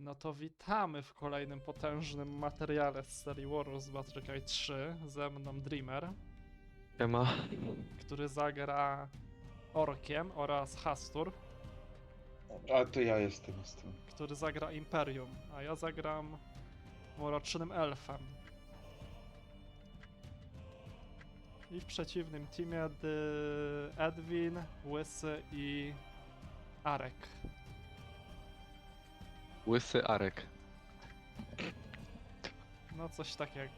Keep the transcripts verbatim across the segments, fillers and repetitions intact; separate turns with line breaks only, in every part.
No to witamy w kolejnym potężnym materiale z serii Warriors Battlecry trzy. Ze mną Dreamer,
Ema.
który zagra Orkiem, oraz Hastur,
A to ja jestem z tym.
który zagra Imperium, a ja zagram Mrocznym Elfem. I w przeciwnym teamie D- Edwin, Łysy i Arek.
Łysy Arek.
No coś takiego.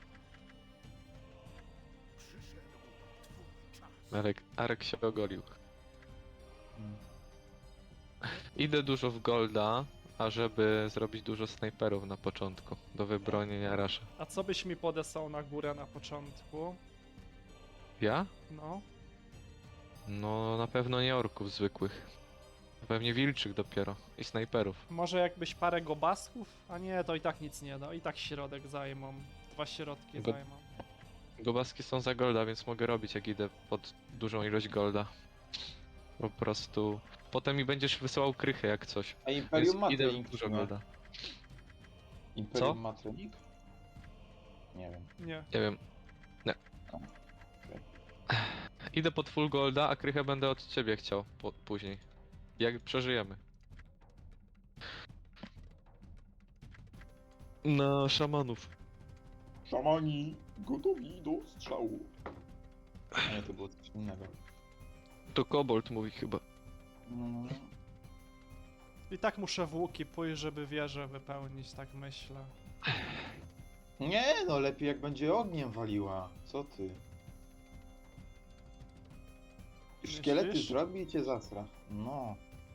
Arek, Arek się ogolił.
Hmm.
Idę dużo w golda, ażeby zrobić dużo snajperów na początku, do wybronienia rasza.
A co byś mi podesłał na górę na początku?
Ja?
No.
No na pewno nie orków zwykłych. Pewnie wilczych dopiero i snajperów.
Może jakbyś parę gobasków? A nie, to i tak nic nie da. I tak środek zajmą. Dwa środki
Go-
zajmą.
Gobaski są za golda, więc mogę robić jak idę pod dużą ilość golda. Po prostu... Potem mi będziesz wysyłał krychę jak coś.
A Imperium ma
Więc idę
trening,
dużo
czy nie?
golda.
Imperium
Co?
ma trening? Nie wiem.
Nie.
Nie wiem. Nie.
Okej.
Idę pod full golda, a krychę będę od ciebie chciał po, później. Jak przeżyjemy. Na szamanów.
Szamani gotowi do strzału. A nie, to było coś innego.
To kobold mówi chyba.
Mm.
I tak muszę w łuki pójść, żeby wieżę wypełnić, tak myślę.
Nie, no lepiej jak będzie ogniem waliła. Co ty? Szkielety
Myślisz?
zrobi i cię zasra. No.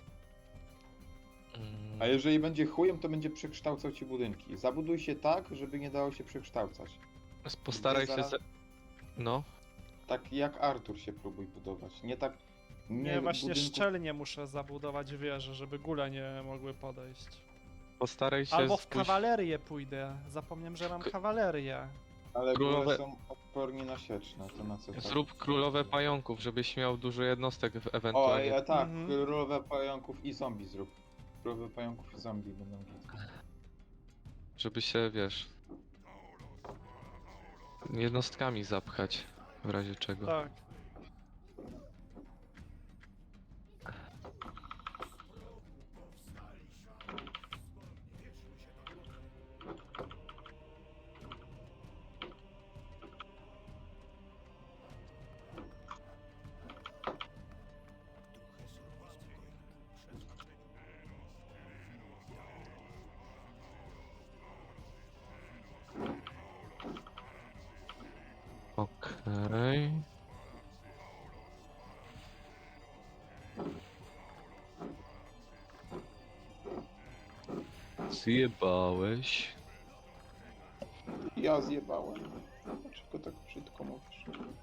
Mm,
A jeżeli będzie chujem, to będzie przekształcał ci budynki. Zabuduj się tak, żeby nie dało się przekształcać.
Postaraj się
zaraz-
za... No.
Tak jak Artur się próbuj budować. Nie tak...
Nie, właśnie
budynków-
szczelnie muszę zabudować wieżę, żeby góle nie mogły podejść.
Postaraj się
Albo w
spójrz-
kawalerię pójdę. Zapomniałem, że mam
K-
kawalerię.
Ale
Królowe-
góle są odporni na sieczne, to na co tak?
Zrób królowe pająków, żebyś miał dużo jednostek w-
O,
ewentualnie.
ja tak,
Mhm.
królowe pająków i zombie zrób. Królowe pająków i zombie będą git.
Żeby się, wiesz... jednostkami zapchać. W razie czego.
Tak.
Okej. Zjebałeś.
Ja zjebałem. Dlaczego tak brzydko mówisz?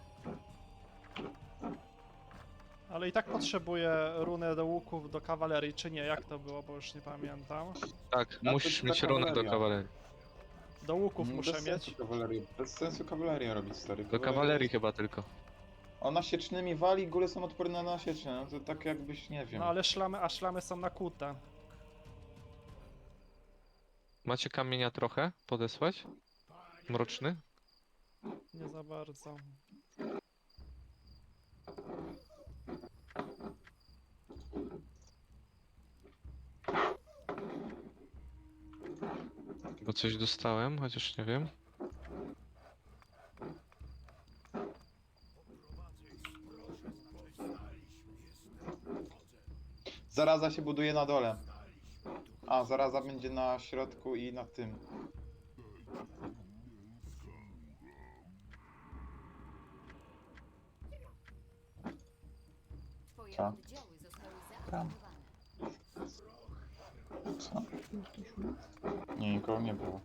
Ale i tak potrzebuję runę do łuków do kawalerii, czy nie? Jak to było, bo już nie pamiętam.
Tak,
No to
musisz
ta
mieć runę do
kawaleria.
kawalerii.
Do łuków
Mm,
muszę
bez
mieć.
sensu kawalerię. Bez sensu kawalerię robić, stary.
Do kawalerii chyba tylko.
Ona siecznymi wali, góle są odporne na sieczne. No to tak jakbyś, nie wiem.
No ale szlamy, a szlamy są nakute.
Macie kamienia trochę podesłać? Mroczny?
Nie za bardzo.
Bo coś dostałem, chociaż nie wiem.
Zaraza się buduje na dole. A, zaraza będzie na środku i na tym.
Twoje
Co?
oddziały zostały
Tam.
zaatakowane.
Co? Nie, nikogo nie było.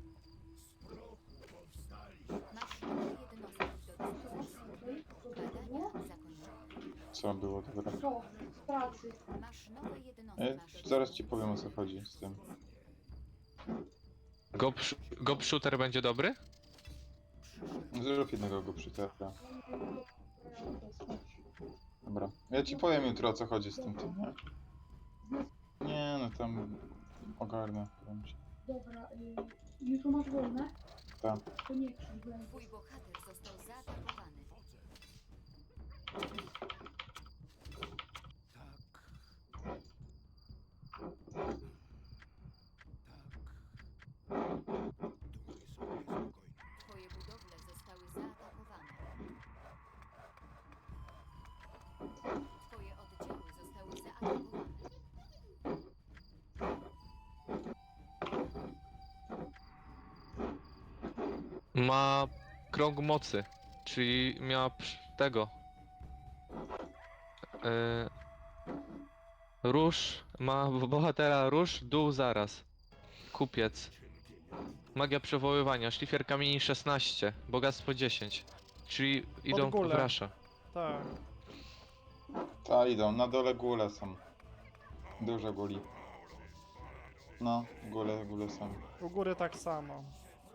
Masz nowe jednostki do dyspozycji. Badania zakończone.
Co było, dobra.
Co? Z pracy.
Masz nowe jednostki.
E,
Masz
zaraz ci powiem, o co chodzi z tym.
Gob, gob shooter będzie dobry?
Zrób jednego go przytepia. Dobra. Ja ci powiem jutro, o co chodzi z tym tym, nie? Nie, no tam... ogarnę. powiem ci.
Dobra, y, jutro masz wolne?
Tak.
To nie krzycz, bo ja
Twój bohater został zaatakowany. Twoje budowle zostały zaatakowane. Twoje oddziały zostały zaatakowane.
Ma krąg mocy, czyli miała psz- tego. Yy, róż, ma w- bohatera róż, dół zaraz. Kupiec. Magia przywoływania, szlifier kamieni szesnaście, bogactwo dziesięć. Czyli idą w
gulę.
rasza.
Tak.
Ta idą, na dole góle są. Duże guli. No, góle, góle są.
U góry tak samo.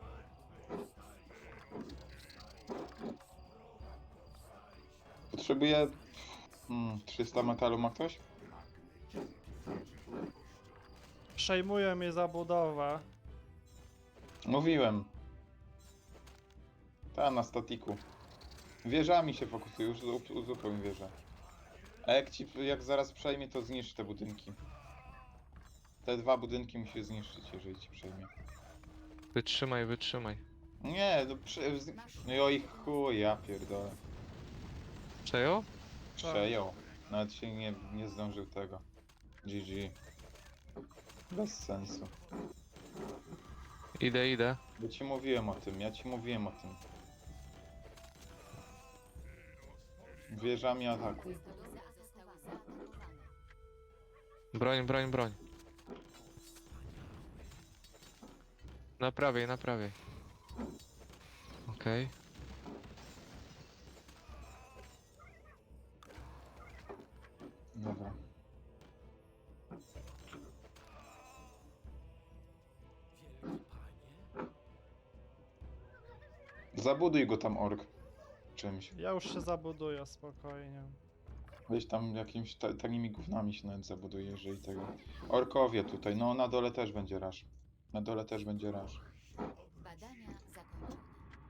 Potrzebuję... Hmm, trzysta metalu ma ktoś?
Przejmują mi zabudowę.
Mówiłem. Ta, na statiku. Wieżami się fokusuje, już uzu- uzupełnię wieżę. A jak ci, jak zaraz przejmie, to zniszcz te budynki. Te dwa budynki musi zniszczyć, jeżeli ci przejmie.
Wytrzymaj, wytrzymaj.
Nie, no prze... z- No i o ich chuj, ja pierdolę.
Przejął?
Przejął. Nawet się nie, nie zdążył tego. G G. Bez sensu.
Idę, idę.
Bo ci mówiłem o tym, ja ci mówiłem o tym. Wieżami atakuj.
Budowle zostały zaatakowane.
Broń, broń, broń. Naprawiaj, naprawiaj. Okej.
Dobra. Zabuduj go tam, ork. Czymś.
Ja już się zabuduję spokojnie.
Weź tam jakimiś ta tanimi gównami się nawet zabuduje, jeżeli tego. Orkowie tutaj, no na dole też będzie rasz. Na dole też będzie rasz.
Badania zakończone.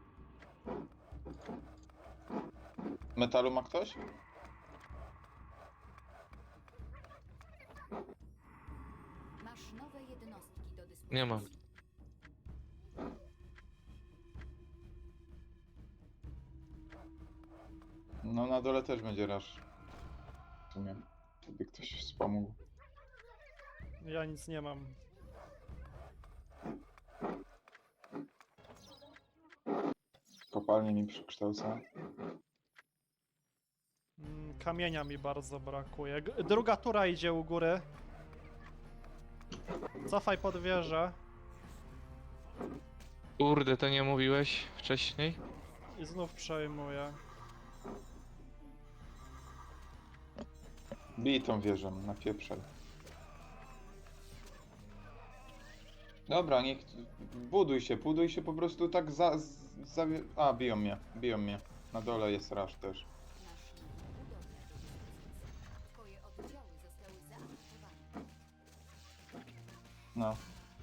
Metalu ma ktoś?
Masz nowe jednostki do dyspozycji.
Nie mam.
No na dole też będzie rasz. W sumie, gdyby ktoś wspomógł.
Ja nic nie mam.
Kopalnie mi przekształca.
Mm, Kamienia mi bardzo brakuje. G druga tura idzie u góry. Cofaj pod wieżę.
Kurde, to nie mówiłeś wcześniej?
I znów przejmuję.
Bij tą wieżę, napieprzaj. Dobra, niech... Buduj się, buduj się po prostu tak za... za... A, biją mnie, biją mnie. Na dole jest rasz też.
Masz nowe budowle do dyspozycji. Twoje oddziały zostały zaatakowane.
No.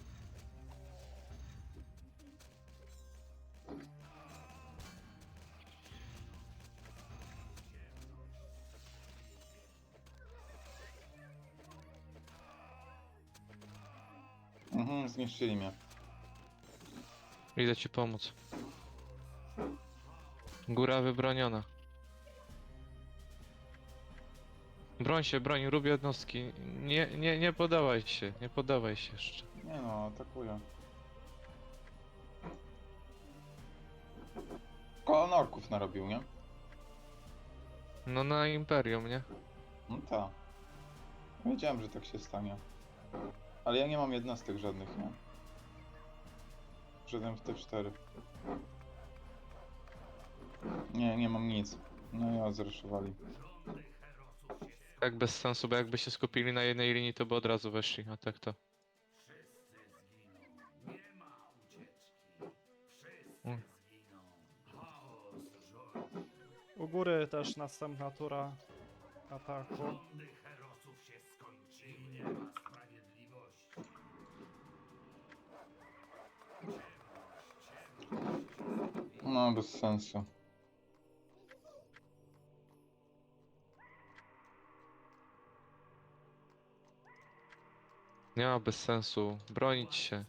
Mhm, zniszczyli mnie.
Idę ci pomóc. Góra wybroniona. Broń się, broń, rób jednostki. Nie, nie, nie podawaj się, nie podawaj się jeszcze.
Nie no, atakuję. Kolon orków narobił, nie?
No na Imperium, nie?
No tak. Wiedziałem, że tak się stanie. Ale ja nie mam jednostek żadnych, nie? Żaden w T cztery. Nie, nie mam nic. No ja zreszowali.
Tak bez sensu, bo jakby się skupili na jednej linii, to by od razu weszli, a tak to. Mm.
U góry też następna tura ataku.
No, bez sensu.
Nie ma bez sensu. Bronić się.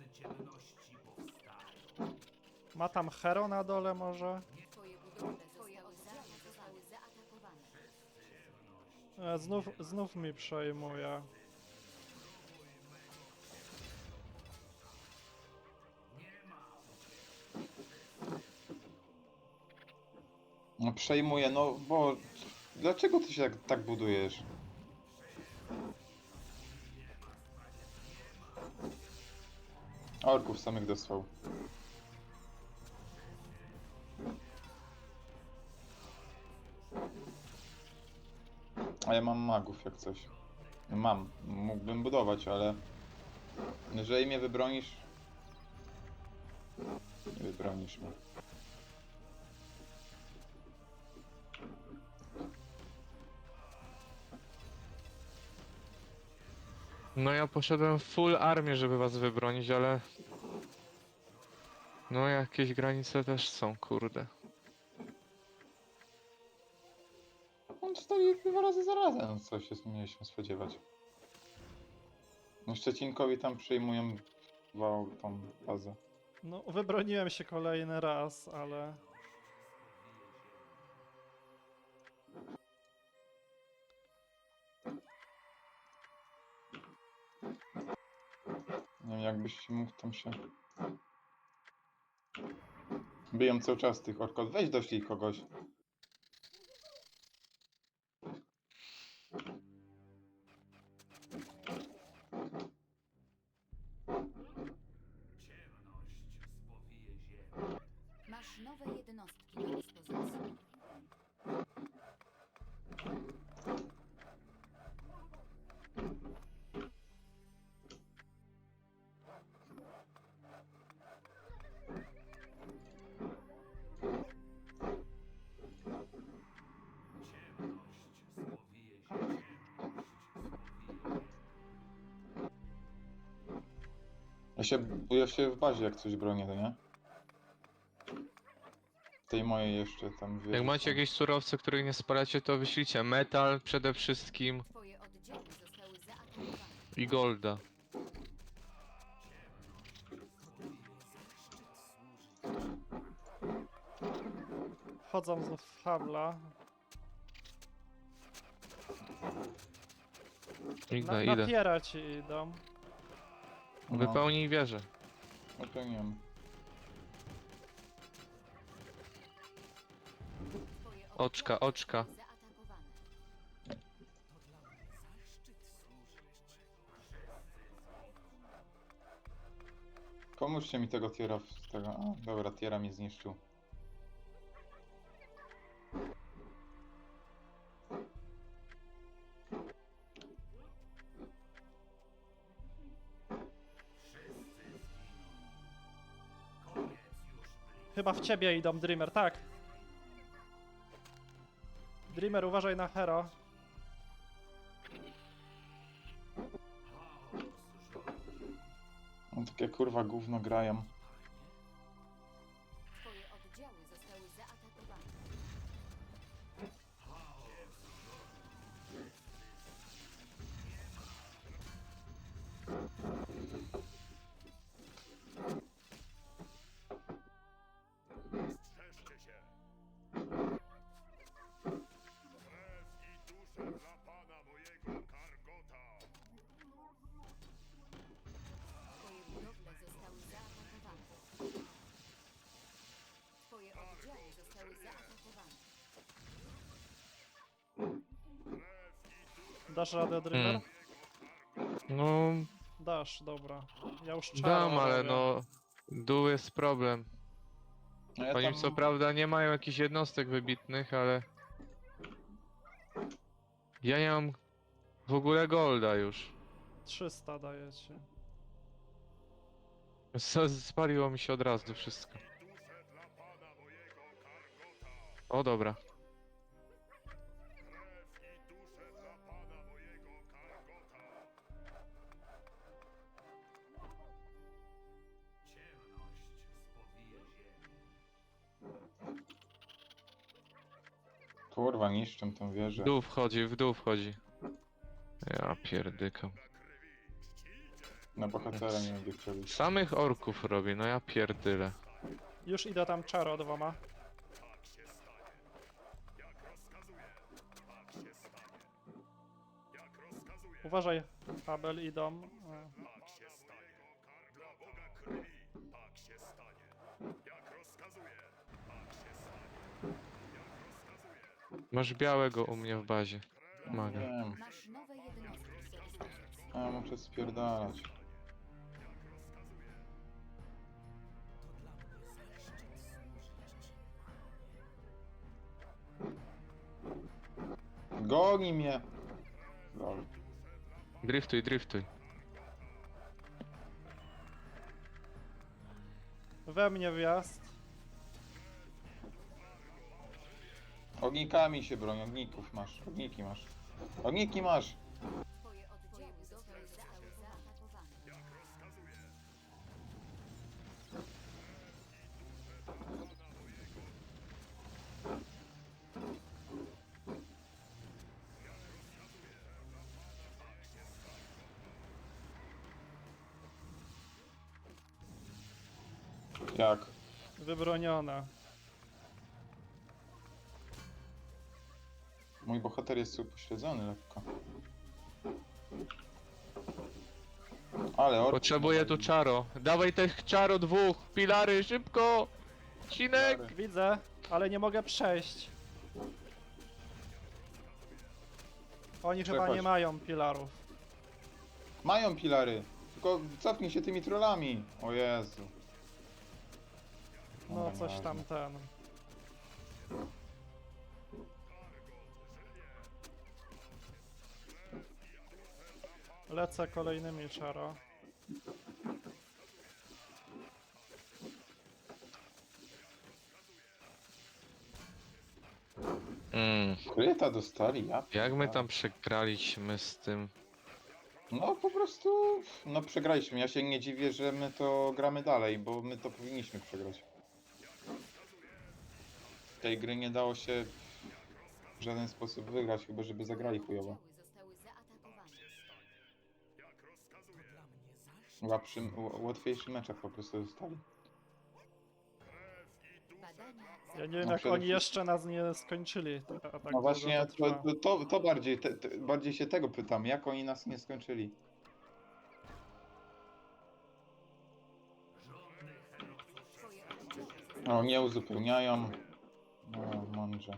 Ma tam hero na dole może?
Twoje budowle Twoje oddziały zostały zaatakowane.
E, znów, znów mi przejmuje.
No, przejmuję, no bo... Dlaczego ty się tak, tak budujesz? Orków samych dostał. A ja mam magów jak coś. Mam. Mógłbym budować, ale... Jeżeli mnie wybronisz... Nie wybronisz mnie.
No ja poszedłem w full armię, żeby was wybronić, ale... No jakieś granice też są, kurde.
On stoi dwa razy za razem, no co się mieliśmy spodziewać. No Szczecinkowi tam przyjmują wał tą bazę.
No, wybroniłem się kolejny raz, ale...
Nie wiem, jakbyś mógł tam się... Biją cały czas tych orków. Weź doślij kogoś.
Masz nowe jednostki do dyspozycji.
Ja się, ja się w bazie jak coś bronię, to nie? Tej mojej jeszcze tam
Jak macie jakieś surowce, których nie spalacie, to wyślijcie metal przede wszystkim
Twoje oddziały zostały zaatakowane.
i golda.
Wchodzą znów w habla. Na,
Idę, idę.
napierać idą.
No,
Wypełnij wieżę.
wypełniłem.
Twoje
Oczka,
oddziały
oczka.
zostały zaatakowane.
Pomóżcie mi tego tiera w tego... A, dobra, tiera mnie zniszczył.
Chyba w ciebie idą, Dreamer, tak. Dreamer, uważaj na hero.
No, takie kurwa gówno grają.
Twoje oddziały zostały zaatakowane. Twoje budowle zostały zaatakowane. Twoje oddziały zostały zaatakowane.
Dasz radę, Dreamer?
Hmm. No,
Dasz, dobra. Ja już czaro
dam, ale
robię.
no... Dół jest problem.
No ja
Oni
tam...
co prawda nie mają jakichś jednostek wybitnych, ale... Ja nie mam w ogóle golda już.
trzysta dajecie.
S- Spaliło mi się od razu wszystko. O dobra.
Kurwa, niszczę tą wieżę.
W dół wchodzi, w dół wchodzi. Ja pierdykam.
Na bohatera nie będzie chciał iść.
Samych orków robi, no ja pierdylę.
Już idę tam czaro dwoma. Uważaj, Abel idą. E,
Masz białego u mnie w bazie. Maga.
Wiem,
Masz nowe jednostki do dyspozycji.
a ja muszę spierdalać. Goni mnie! Lol.
Driftuj, driftuj.
We mnie wjazd.
Ognikami się broń, ogników masz, ogniki masz. Ogniki masz!
Twoje oddziały zostały zaatakowane.
Jak?
Wybronione.
Mój bohater jest upośledzony lekko. Ale orki...
Potrzebuję tu czaro. Dawaj tych czaro dwóch. Pilary, szybko! Cinek!
Pilary.
Widzę, ale nie mogę przejść. Oni chyba
Przechodź.
nie mają pilarów.
Mają pilary! Tylko cofnij się tymi trollami! O Jezu.
No
Dobra,
coś tam
nieważne.
ten. Lecę kolejnymi czaro.
Mm.
Kryta dostali, ja
Jak my
pierdolę.
tam przegraliśmy z tym?
No po prostu... No przegraliśmy. Ja się nie dziwię, że my to gramy dalej, bo my to powinniśmy przegrać. Tej gry nie dało się w żaden sposób wygrać, chyba żeby zagrali chujowo.
Oddziały zostały zaatakowane.
Łapszy, ł- łatwiejszy meczach po prostu dostali.
Badania
Ja nie wiem
No
jak
przede
oni
wszystkim-
jeszcze nas nie skończyli. A tak
No
długo
właśnie,
to
to,
trwa.
to, to, to bardziej, te, te, bardziej się tego pytam, jak oni nas nie skończyli?
Twoje oddziały zostały
No, nie uzupełniają. No, mądrze.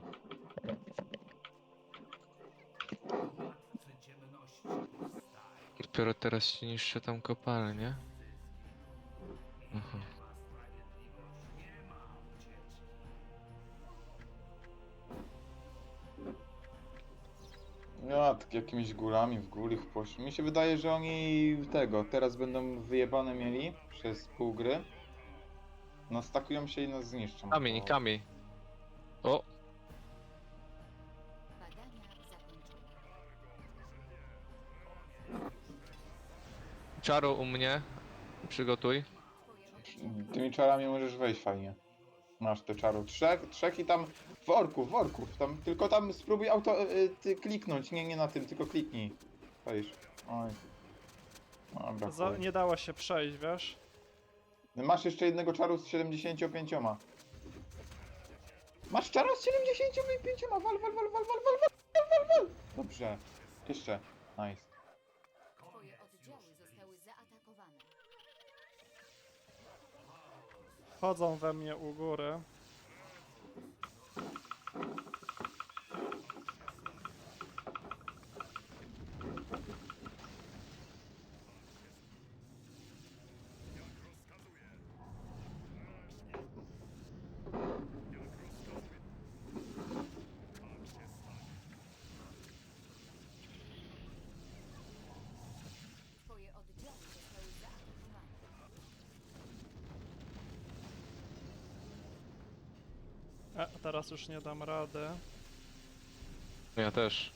Dopiero teraz się niszczy tam kopalnie. Aha.
Ja tak jakimiś gulami w góry w poszli. Mi się wydaje, że oni tego, teraz będą wyjebane mieli przez pół gry. No stakują się i nas zniszczą.
Kamień,
bo-
kamień. O,
badania zakończone.
czaro u mnie. Przygotuj.
Twoje oddziały
Tymi czarami możesz wejść fajnie. Masz te czaru. Trzech, trzech i tam worków, worków. Tam, tylko tam spróbuj auto y, ty kliknąć. Nie, nie na tym, tylko kliknij. Wejść. Oj. Dobra,
Za,
chuj.
nie dało się przejść, wiesz?
Masz jeszcze jednego czaru z siedemdziesięcioma pięcioma. Masz czara z siedemdziesięcioma pięcioma. Wal, wal, wal, wal, wal, wal, wal, wal, wal, wal. Dobrze. Jeszcze. Nice.
Twoje oddziały zostały zaatakowane.
Chodzą we mnie u góry.
Twoje oddziały zostały zaatakowane.
E, teraz już nie dam rady.
Ja też.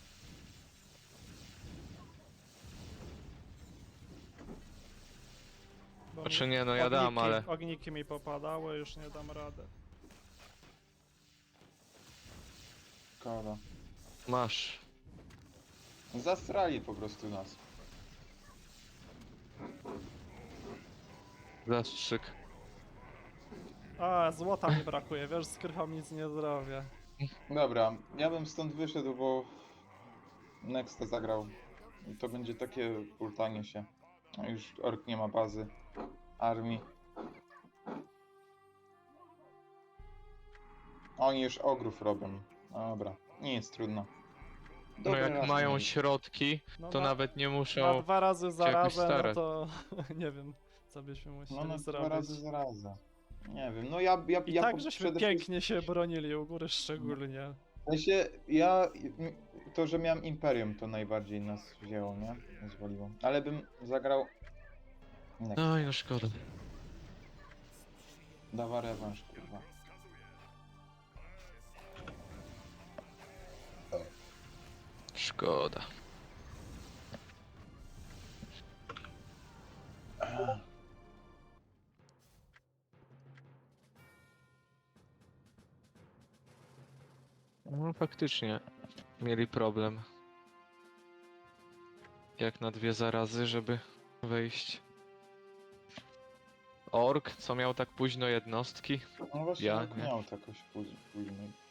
Bo
Znaczy
mi
nie, no ja dam,
ogniki-
ale...
Ogniki mi popadały, już nie dam rady.
Szkoda.
Masz.
Zastrali po prostu nas.
Zastrzyk.
A, złota mi brakuje, wiesz, z krychą nic nie zrobię.
Dobra, ja bym stąd wyszedł, bo Nexta zagrał. I to będzie takie pultanie się. A już Ork nie ma bazy, armii. Oni już ogrów robią. Dobra, nie jest trudno.
No
Dobry
jak
raz
mają
mieli.
środki,
No
to
na,
nawet nie
na
muszą...
dwa razy
jakoś
zarazem, no
starać.
to nie wiem, co byśmy musieli
No na dwa
zrobić.
razy zarazem. Nie wiem, no ja, ja,
I
ja
tak
po-
żeśmy
przede
pięknie się bronili, u góry szczególnie.
W sensie, ja, to, że miałem Imperium, to najbardziej nas wzięło, nie? Zwoliło. Ale bym zagrał... Next.
Oj, no szkoda.
Dawa rewanż, kurwa.
Szkoda. No faktycznie mieli problem. Jak na dwie zarazy, żeby wejść. Ork, co miał tak późno jednostki?
No właśnie,
Ja
jak
nie.
miał to jakoś później.